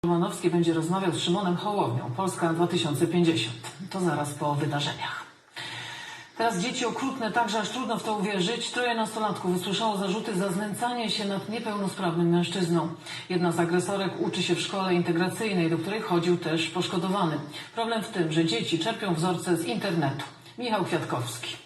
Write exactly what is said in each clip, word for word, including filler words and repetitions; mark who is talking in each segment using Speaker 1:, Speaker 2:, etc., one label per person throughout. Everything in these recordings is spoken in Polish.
Speaker 1: Romanowski będzie rozmawiał z Szymonem Hołownią. Polska dwa tysiące pięćdziesiąt. To zaraz po wydarzeniach. Teraz dzieci okrutne, także aż trudno w to uwierzyć. Troje nastolatków usłyszało zarzuty za znęcanie się nad niepełnosprawnym mężczyzną. Jedna z agresorek uczy się w szkole integracyjnej, do której chodził też poszkodowany. Problem w tym, że dzieci czerpią wzorce z internetu. Michał Kwiatkowski.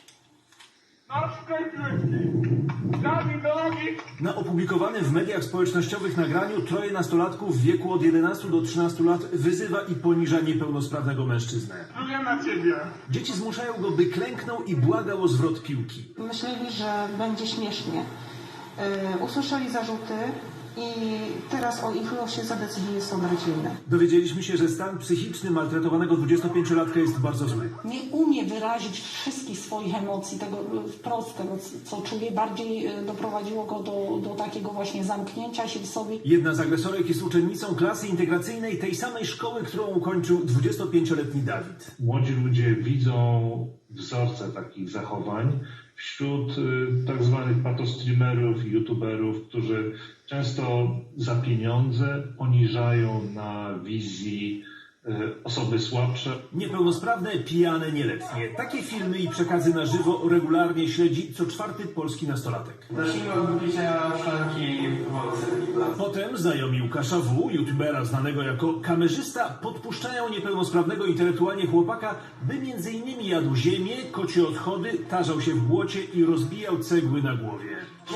Speaker 2: Na opublikowanym w mediach społecznościowych nagraniu troje nastolatków w wieku od jedenastu do trzynastu lat wyzywa i poniża niepełnosprawnego mężczyznę.
Speaker 3: Pluję na ciebie.
Speaker 2: Dzieci zmuszają go, by klęknął i błagał o zwrot piłki.
Speaker 4: Myśleli, że będzie śmiesznie. Yy, usłyszeli zarzuty i teraz o ich losie zadecyduje sąd rodzinny.
Speaker 2: Dowiedzieliśmy się, że stan psychiczny maltretowanego dwudziestopięciolatka jest bardzo zły.
Speaker 5: Nie umie wyrazić wszystkich swoich emocji, tego wprost, tego co czuje, bardziej doprowadziło go do, do takiego właśnie zamknięcia się w sobie.
Speaker 2: Jedna z agresorek jest uczennicą klasy integracyjnej tej samej szkoły, którą ukończył dwudziestopięcioletni Dawid.
Speaker 6: Młodzi ludzie widzą wzorce takich zachowań wśród y, tak zwanych patostreamerów, youtuberów, którzy często za pieniądze poniżają na wizji y, osoby słabsze.
Speaker 2: Niepełnosprawne, pijane, nieletnie. Takie filmy i przekazy na żywo regularnie śledzi co czwarty polski nastolatek.
Speaker 3: Zacznijmy od wypicia szklanki wody.
Speaker 2: Potem znajomi Łukasza W., youtubera znanego jako kamerzysta, podpuszczają niepełnosprawnego intelektualnie chłopaka, by między innymi jadł ziemię, kocie odchody, tarzał się w błocie i rozbijał cegły na głowie.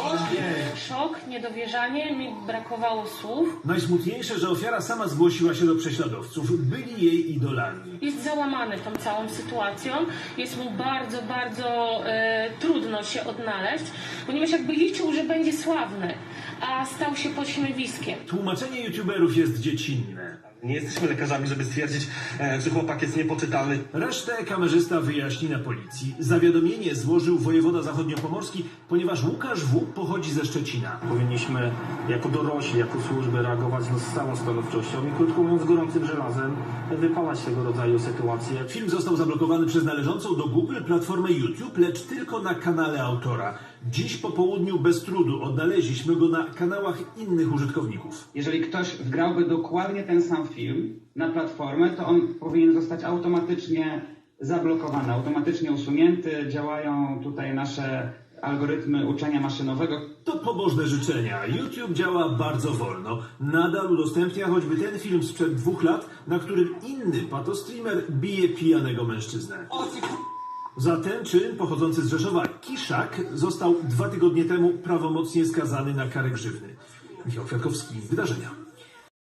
Speaker 7: Szok, niedowierzanie, mi brakowało słów.
Speaker 2: Najsmutniejsze, że ofiara sama zgłosiła się do prześladowców. Byli jej idolami.
Speaker 7: Jest załamany tą całą sytuacją. Jest mu bardzo, bardzo e, trudno się odnaleźć, ponieważ jakby liczył, że będzie sławny, a stał się pośmiewiskiem.
Speaker 2: Tłumaczenie youtuberów jest dziecinne.
Speaker 8: Nie jesteśmy lekarzami, żeby stwierdzić, e, że chłopak jest niepoczytalny.
Speaker 2: Resztę kamerzysta wyjaśni na policji. Zawiadomienie złożył wojewoda zachodniopomorski, ponieważ Łukasz W. pochodzi ze Szczecina.
Speaker 9: Powinniśmy jako dorośli, jako służby reagować no, z całą stanowczością i krótko mówiąc gorącym żelazem wypalać tego rodzaju sytuacje.
Speaker 2: Film został zablokowany przez należącą do Google platformę YouTube, lecz tylko na kanale autora. Dziś po południu bez trudu odnaleźliśmy go na kanałach innych użytkowników.
Speaker 10: Jeżeli ktoś wgrałby dokładnie ten sam film na platformę, to on powinien zostać automatycznie zablokowany, automatycznie usunięty. Działają tutaj nasze algorytmy uczenia maszynowego.
Speaker 2: To pobożne życzenia. YouTube działa bardzo wolno. Nadal udostępnia choćby ten film sprzed dwóch lat, na którym inny patostreamer bije pijanego mężczyznę. Za ten czyn pochodzący z Rzeszowa Kiszak został dwa tygodnie temu prawomocnie skazany na karę grzywny. Michał Kwiatkowski, Wydarzenia.